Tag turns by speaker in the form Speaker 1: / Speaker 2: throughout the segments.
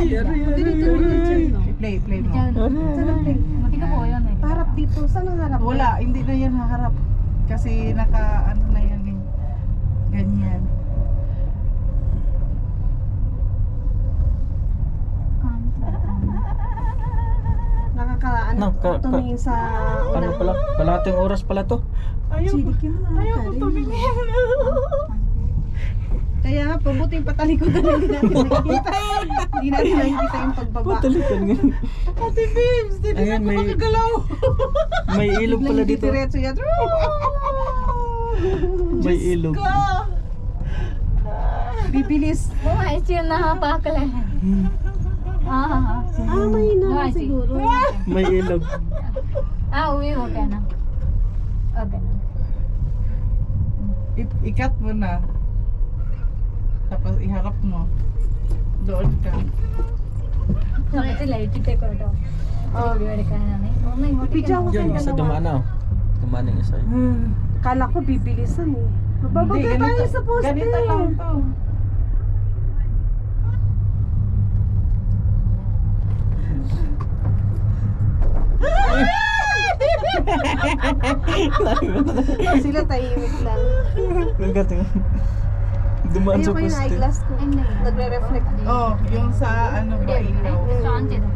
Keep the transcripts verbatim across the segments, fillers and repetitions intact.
Speaker 1: Play, play mo.
Speaker 2: Mati ka po yun eh.
Speaker 3: Harap dito. Saan ang harap?
Speaker 1: Wala, hindi na yan haharap. Kasi naka, ano na yan eh. Ganyan.
Speaker 3: Nakakaano
Speaker 4: No, ka- ka-
Speaker 3: tumingin sa
Speaker 4: Ano pala? Kalahating oras pala to.
Speaker 1: Ayaw ko,
Speaker 3: Sidik yun, ah,
Speaker 1: ayaw ko
Speaker 3: Karen.
Speaker 1: tumingin.
Speaker 3: Kaya nga, pabuting patalikod na hindi natin nakikita. Hindi natin nakikita yung pagbaba.
Speaker 4: Patalikan nga.
Speaker 1: Ate Bibs, hindi
Speaker 4: Ayan,
Speaker 1: na ako
Speaker 4: may-
Speaker 1: makagalaw.
Speaker 4: May ilog pala
Speaker 3: Biglang
Speaker 4: dito.
Speaker 3: diretso yan.
Speaker 4: May ilog.
Speaker 1: Ka.
Speaker 3: Bibilis.
Speaker 2: Oh, ay siya nakapakala. Ah,
Speaker 3: Ah, may na siguro.
Speaker 4: May ilog.
Speaker 2: ah, uwi, okay na. Okay na.
Speaker 1: I- ikat mo na. Tapos iharap mo. Doon ka.
Speaker 2: Kasi light check ko ito. Oh, video എടുക്കാനാണ്. Oh my god.
Speaker 3: Video ko
Speaker 4: Yan,
Speaker 3: kayo
Speaker 4: isa
Speaker 3: dalawa.
Speaker 4: dumaan na. oh. Dumaan yung isa.
Speaker 3: Kala ko bibilisan eh.
Speaker 1: Hindi,
Speaker 3: Mababagay tayo
Speaker 1: ganito-
Speaker 3: sa poste.
Speaker 1: Ganito lang to.
Speaker 3: Sila tahimik lang.
Speaker 4: Nagating. Dumaan sa
Speaker 3: Ayoko yung
Speaker 4: poste.
Speaker 3: eyeglass ko. Nagre-reflect.
Speaker 1: Oh, yung sa ano ba ilaw.
Speaker 2: Strong din.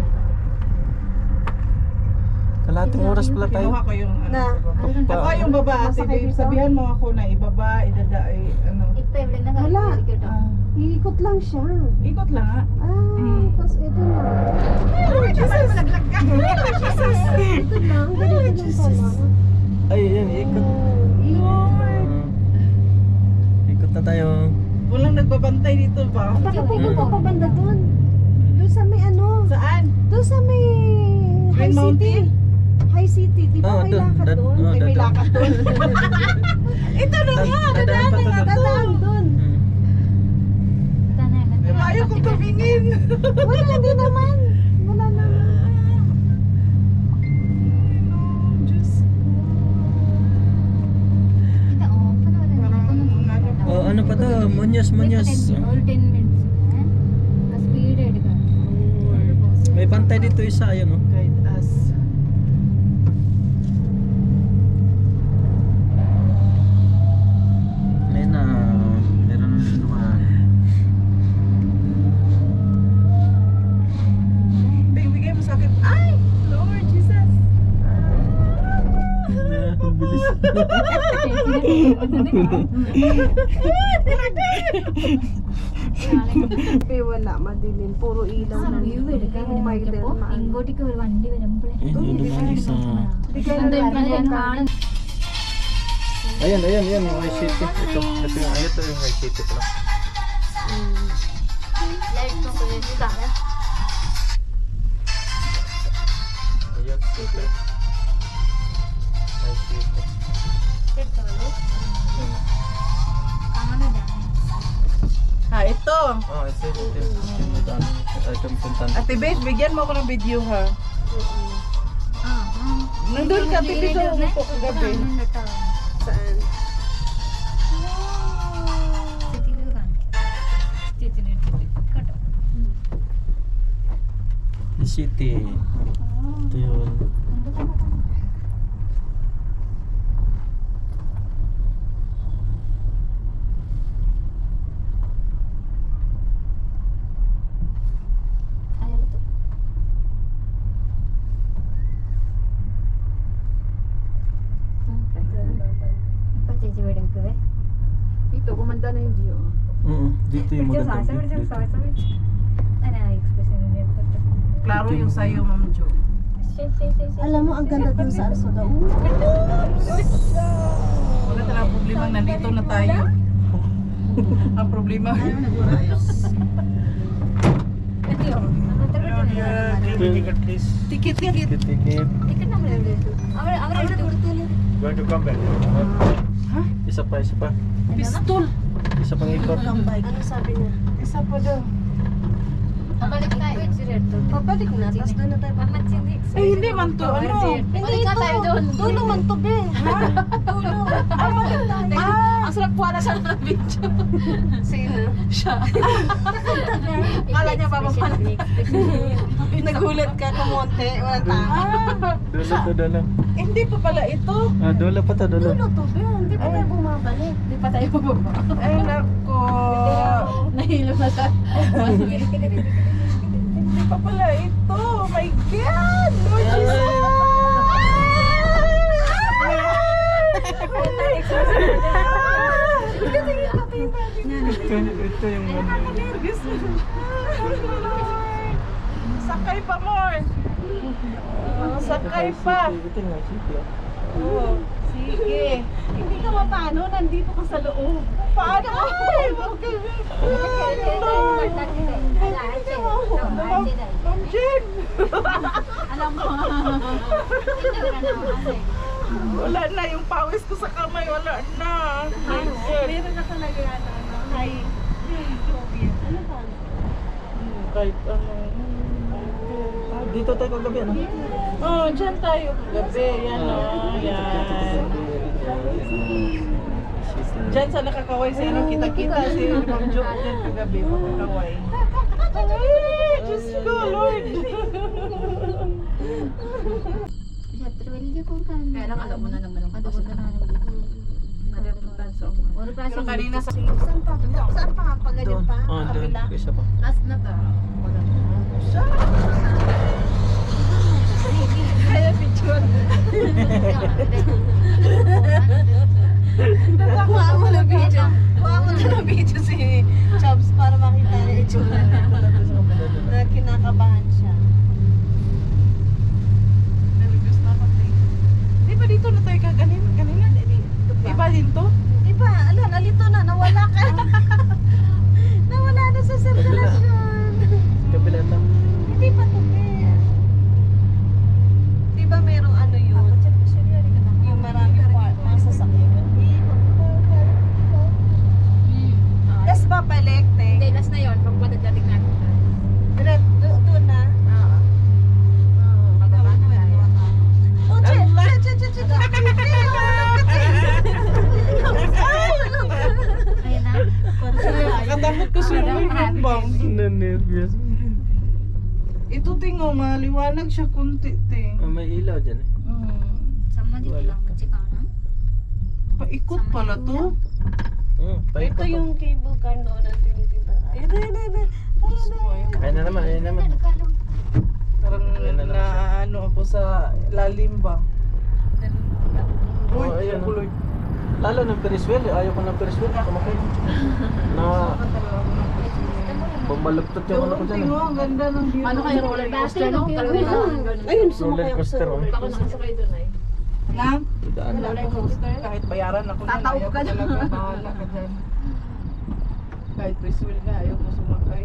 Speaker 4: Kalahating oras pala tayo.
Speaker 1: Kinuha ko yung ano
Speaker 3: Na.
Speaker 1: sa baba.
Speaker 4: Pa-
Speaker 1: Ako yung baba, ate
Speaker 3: Masakay
Speaker 1: Babe.
Speaker 3: dito?
Speaker 1: Sabihan mo ako na ibaba, idada, ay ano.
Speaker 2: ഇപ്പൊ എവിടെ നിന്ന്
Speaker 3: Wala.
Speaker 1: Ah,
Speaker 3: Iikot lang siya.
Speaker 1: ikot lang ha.
Speaker 3: Ah,
Speaker 1: Mm.
Speaker 3: tapos ito na.
Speaker 1: Lord Jesus! Malaglag ka!
Speaker 3: Ito lang, ganito lang pala.
Speaker 4: Ay, yan, ikot.
Speaker 1: Lord!
Speaker 4: Ikot na tayo.
Speaker 1: Walang nagbabantay dito ba?
Speaker 3: Bakit pupunta pa banda doon? Doon sa may ano?
Speaker 1: Saan?
Speaker 3: Doon sa may
Speaker 1: Green
Speaker 3: High City.
Speaker 1: Mountain?
Speaker 3: High City. Di ba
Speaker 4: Oh,
Speaker 3: may
Speaker 4: doon.
Speaker 3: lakad
Speaker 4: Dad-
Speaker 3: doon?
Speaker 4: oh,
Speaker 3: May may
Speaker 4: dad-
Speaker 3: lakad doon.
Speaker 1: Ito na nga!
Speaker 4: Dadaan
Speaker 1: Dadaan
Speaker 4: pa
Speaker 1: na
Speaker 4: to
Speaker 1: nga
Speaker 4: doon.
Speaker 1: to!
Speaker 3: Dadaan doon.
Speaker 4: Hmm.
Speaker 1: Ayaw kong tumingin!
Speaker 3: Wala, hindi naman. Wala naman.
Speaker 1: Diyos
Speaker 4: Oh, ano pa to? Munyos, munyos.
Speaker 2: Speed എടുക്കണം
Speaker 4: May bantay dito isa, ayun oh.
Speaker 1: guide us.
Speaker 4: May na, meron na naman.
Speaker 1: Babe, bigay mo sa akin. Ay! Lord Jesus!
Speaker 4: Ang bilis.
Speaker 3: Eh, wala. Madilim. Puro ilaw na.
Speaker 2: View എടുക്കാൻ
Speaker 3: Oh my
Speaker 2: വേണ്ടി
Speaker 3: God.
Speaker 2: നോക്കിയപ്പോ ഇങ്ങോട്ടേക്ക് ഒരു വണ്ടി വരുമ്പോഴേ
Speaker 4: Ayun, yun naman isa.
Speaker 2: എന്തോ ഇപ്പൊ ഞാൻ കാണുന്നു
Speaker 4: Ayan, ayan, ayan, yung High City. Ito, ito yung, ito yung High City pala.
Speaker 2: Light നോക്ക് ഇതാണ്
Speaker 4: Ayan, City. High City.
Speaker 2: കാണുന്നില്ല
Speaker 1: Ha, ito!
Speaker 4: Oh, ito, ito, ito. Ito, ito, ito, yung puntan.
Speaker 1: Ate Babe, bigyan mo ako ng video ha. Nandun ka, Ate Babe, sa umupo ko gabi.
Speaker 3: Saan?
Speaker 4: The City. Ito yun.
Speaker 2: ഇപ്പൊ ചേച്ചി വീട് എടുക്കുവേ
Speaker 3: Dito, kumanda na yung view.
Speaker 4: Oo, dito yung
Speaker 2: പിടിച്ചോ
Speaker 4: magandang
Speaker 2: ശ്വാസം
Speaker 4: view.
Speaker 2: പിടിച്ചോ
Speaker 4: Dito.
Speaker 2: ശ്വാസം പിടിച്ചോ അങ്ങനെ expression
Speaker 1: Klaro yung sayo, Ma'am Jo.
Speaker 3: Alam mo, ang ganda dun sa Arsoda.
Speaker 1: Wala talagang problema, nandito na tayo. Ang problema. Tikit, tikit.
Speaker 4: Tikit, tikit. Going to come back.
Speaker 1: Ha?
Speaker 4: Isa pa, isa pa.
Speaker 1: Pistol.
Speaker 4: Isa pang ikot.
Speaker 3: Ano sabi niya? Isa pa daw.
Speaker 2: Pabalik tayo.
Speaker 3: Pabalik na, tapos doon na tayo.
Speaker 1: Ay, hindi man to. Ano?
Speaker 3: Hindi ito. Dulo man to, be. Ha? Dulo. Ah,
Speaker 1: Ang sarap po na siya ng video.
Speaker 3: Sino?
Speaker 1: Siya. Kala niya bababa na.
Speaker 3: Nagulat ka, kumonte, walang tama.
Speaker 1: Ah,
Speaker 4: Dulo to, dulo.
Speaker 1: hindi pa pala ito.
Speaker 4: Ah, dulo pa to, dulo.
Speaker 3: Dulo to, Bel. Hindi pa tayo bumabalik.
Speaker 2: Hindi pa tayo bababa.
Speaker 1: Ay, nako.
Speaker 2: Nahilo na siya.
Speaker 1: Hindi pa pala ito. Oh my God! Lord Jesus!
Speaker 4: Ito yung ano.
Speaker 1: Sakay pa more. Sakay pa.
Speaker 4: Ito nga, sige.
Speaker 1: Oh, sige.
Speaker 3: Hindi ka mapano, nandito ka sa loob.
Speaker 1: Paano? Ay, okay. Ma'am Jen.
Speaker 2: Alam mo.
Speaker 1: Wala na yung pawis ko sa kamay. Wala na. My God.
Speaker 3: Meron na talaga ano, ano, high phobia. Ano ba?
Speaker 1: Hmm, Kahit ano.
Speaker 4: Ah, dito tayo kagabi, ano?
Speaker 1: Oh, dyan tayo gabi. Yan o. Yan. Dyan sa nakakaway si ano, kita-kita si Ma'am Jo dyan kagabi, makakaway. Ay, Diyos ko, Lord.
Speaker 2: Kaya lang alam mo na naman ang
Speaker 3: Adobo na namin.
Speaker 1: Pero kanina sa...
Speaker 3: Saan pa? Saan pa? Pag ganyan pa?
Speaker 4: Oh, doon.
Speaker 3: Kabila?
Speaker 4: Isa pa.
Speaker 2: Last na to.
Speaker 3: Kaya picture. Kuha mo na video. Kuha mo na ng video si Chubbs para makita niya itsura na kinakabahan siya.
Speaker 1: Nervous na ako. eh. Di ba dito na tayo kaganin? Kanina? Di ba dito?
Speaker 3: Iba, ala, nalito na, nawala ka. Nawala na sa sirkulasyon.
Speaker 4: Kabila to.
Speaker 3: Hindi pa to, Bel. Di ba merong ano yun? Yung marami part, mga sasakyan. Yes ba, balik,
Speaker 2: Hindi,
Speaker 3: te?
Speaker 2: last na yun. Pag matadating natin.
Speaker 3: Direct, do- doon na.
Speaker 2: Oo. Bababa na tayo.
Speaker 3: Oh, che, che, che, che, che,
Speaker 2: Ayan na.
Speaker 1: Katakot ko siya ng hambang.
Speaker 4: Na-nervous.
Speaker 1: Ito tingo, maliwanag siya kunti, te.
Speaker 4: Ah, may ilaw dyan eh.
Speaker 1: Hmm.
Speaker 2: Sama dito lang. Matsika na.
Speaker 1: Paikot pala to.
Speaker 4: Hmm,
Speaker 3: Ito
Speaker 4: paikot to.
Speaker 3: yung cable car noon ang tinitinda. Ayun, ayun, ayun, ayun. Ayun, ayun.
Speaker 4: Ayun na naman, ayun naman.
Speaker 1: Parang
Speaker 4: Ayan na lang
Speaker 1: na
Speaker 4: siya.
Speaker 1: ano ako sa lalim ba?
Speaker 4: Oh, ayun.
Speaker 1: Lord.
Speaker 4: ah. Lalo ng Ferris wheel, eh. Ayaw ko ng Ferris wheel. Kumakay. Na bumaluktot yung ano ko dyan
Speaker 1: Tingo,
Speaker 4: eh.
Speaker 1: ang ganda ng view.
Speaker 2: Ano kayo roller coaster, no? Kalawin lang.
Speaker 3: Ayun,
Speaker 4: Roller
Speaker 3: sumakay ako sa
Speaker 4: coaster, oh.
Speaker 3: roller
Speaker 2: Ako nakasakay doon ay.
Speaker 1: Lang?
Speaker 4: Daan na.
Speaker 1: Roller coaster. Kahit bayaran ako na,
Speaker 3: Tataob
Speaker 1: ayaw
Speaker 3: ka
Speaker 1: ko
Speaker 3: na.
Speaker 1: talaga. Bahala ka dyan. Kahit Ferris wheel nga, ayaw ko sumakay.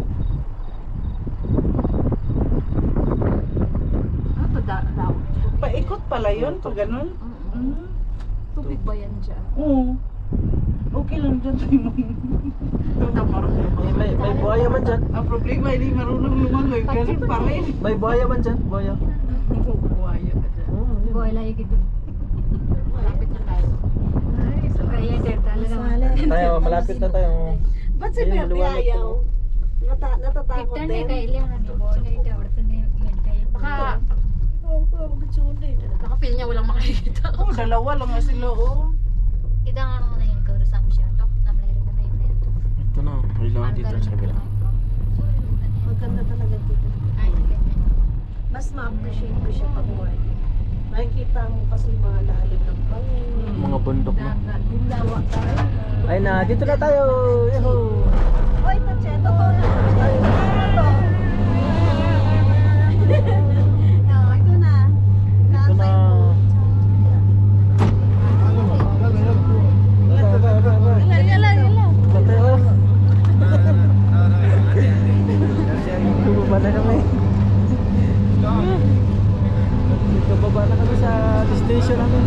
Speaker 2: Ano to? Daw.
Speaker 1: Paikot pala yun, pag ganun. Mm.
Speaker 2: Tubig ba yan dyan?
Speaker 1: Oo. Okay lang dyan tayo mo.
Speaker 4: May, may, may buhaya man dyan.
Speaker 1: Ang problema, hindi marunong lumangoy. Ganun pa rin.
Speaker 4: May buhaya man dyan. Buhaya.
Speaker 1: Buhaya ka dyan.
Speaker 4: Oh, yun.
Speaker 2: Boy, layo gitu. Malapit na tayo.
Speaker 1: Ay,
Speaker 2: Kaya sir, talaga.
Speaker 4: Tayo, malapit na tayo.
Speaker 3: Ba't si
Speaker 4: Ayun,
Speaker 3: Bebe
Speaker 4: maliwanag
Speaker 3: ayaw?
Speaker 4: po.
Speaker 3: Nata natatakot
Speaker 2: Victor
Speaker 3: din.
Speaker 2: na kay Elian na boy, na ito orto ni Mentay. Baka baka feel niya walang makikita.
Speaker 1: oh, dalawa lang nga sila, oh.
Speaker 2: Kita nga nung na yun, kaurasam siya. Tok, namlayari ka na yun na yun.
Speaker 4: Ito na, ilaw dito sa kabila.
Speaker 3: Maganda talaga dito.
Speaker 2: Ay, ganyan.
Speaker 3: Mas ma-appreciate ko siya pag work. Nakikita mo kasi yung mga lalim ng pangin.
Speaker 4: Mga bundok na.
Speaker 3: Dawa tayo.
Speaker 4: Ay na, dito na tayo. Yahoo!
Speaker 3: Oh, ito, Che. Totoo na. Ito. No, ito na.
Speaker 4: Ito na.
Speaker 3: Yala, yala, yala.
Speaker 4: Tayo. Bumaba na kami. Dito baba na kami sa station namin.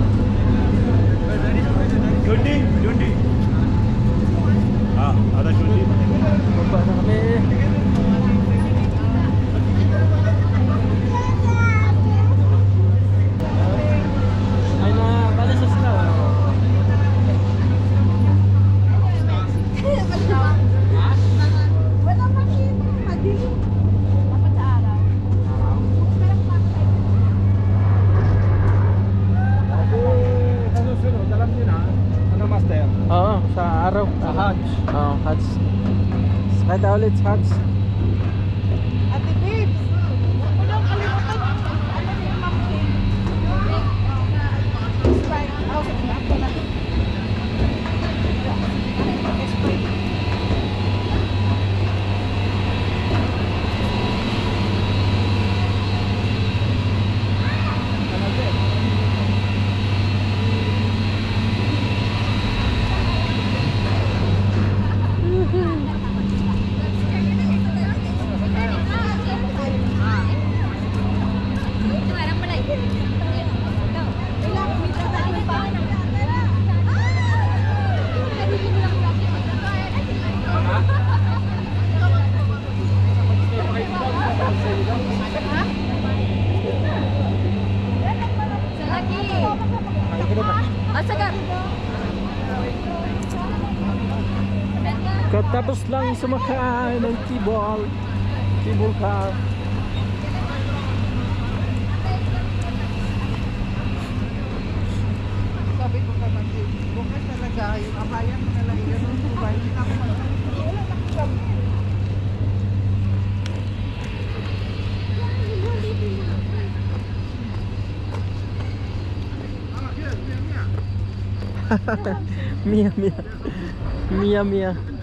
Speaker 5: Twenty twenty हाँ आधा twenty
Speaker 4: Kita ulit, Hats.
Speaker 1: Ate Babes, huwag mo nang kalimutan yung ano ni Ma'am King. Sprite. Oh, ako na. Sprite.
Speaker 4: Katapos lang sumakay ng T-ball. T-ball car.
Speaker 1: Sabi ko naman, bukas talaga, yung abayan mo na lang yun, yung tubay, hindi na ako mag- wala na ako sabi.
Speaker 4: Mia, Mia. Mia, Mia.